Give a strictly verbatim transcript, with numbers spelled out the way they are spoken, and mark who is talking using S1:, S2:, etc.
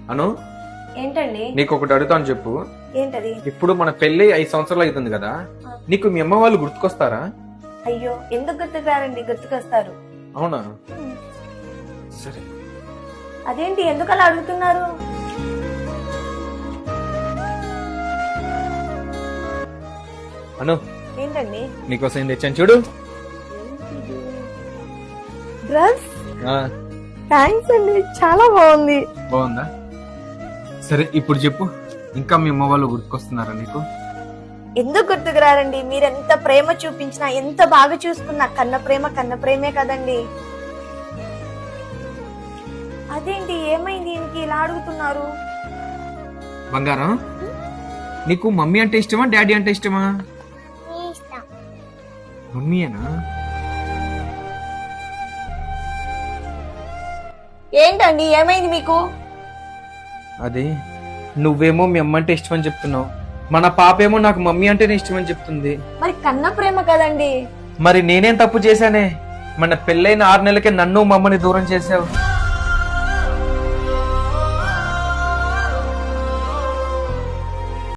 S1: అను
S2: ఏంటండి?
S1: నీకు ఒకటి అడుగుతాను చెప్పు.
S2: ఏంటది?
S1: ఇప్పుడు మన పెళ్లి ఐదు సంవత్సరాలు అవుతుంది కదా, నీకు మీ అమ్మ వాళ్ళు గుర్తుకొస్తారా?
S2: అయ్యో, ఎందుకు గుర్తుకురారండి? గుర్తుకొస్తారు.
S1: అవునా? సరే.
S2: అదేంటి, ఎందుకు అలా అడుగుతున్నారు?
S1: అను
S2: ఏంటండి?
S1: నీకోసం ఏం తెచ్చాను చూడు.
S2: డ్రెస్?
S1: ఆ,
S2: థ్యాంక్స్ అండి, చాలా బాగుంది.
S1: బాగుందా? సరే ఇప్పుడు చెప్పు, ఇంకా మీ అమ్మ వాళ్ళు గుర్తుకొస్తున్నారా నీకు?
S2: ఎందుకు గుర్తుకురారండి? మీరు ఎంత ప్రేమ చూపించినా, ఎంత బాగా చూసుకున్నా, కన్న ప్రేమ కన్న ప్రేమే కదండి. అదేంటి, ఏమైంది ఈయనకి ఇలా అడుగుతున్నారు?
S1: బంగారం, నీకు మమ్మీ అంటే ఇష్టమా డాడీ అంటే ఇష్టమా? మమ్మీయేనా?
S2: ఏంటండి, ఏమైంది మీకు?
S1: అది నువ్వేమో మీ అమ్మ అంటే ఇష్టమని చెప్తున్నావు, మన పాప ఏమో నాకు మమ్మీ అంటేనే ఇష్టమని చెప్తుంది.
S2: మరి కన్న ప్రేమ కదండి.
S1: మరి నేనేం తప్పు చేశానే? మన పెళ్ళైన ఆరు నెలలకే నన్ను మమ్మని దూరం చేసావు.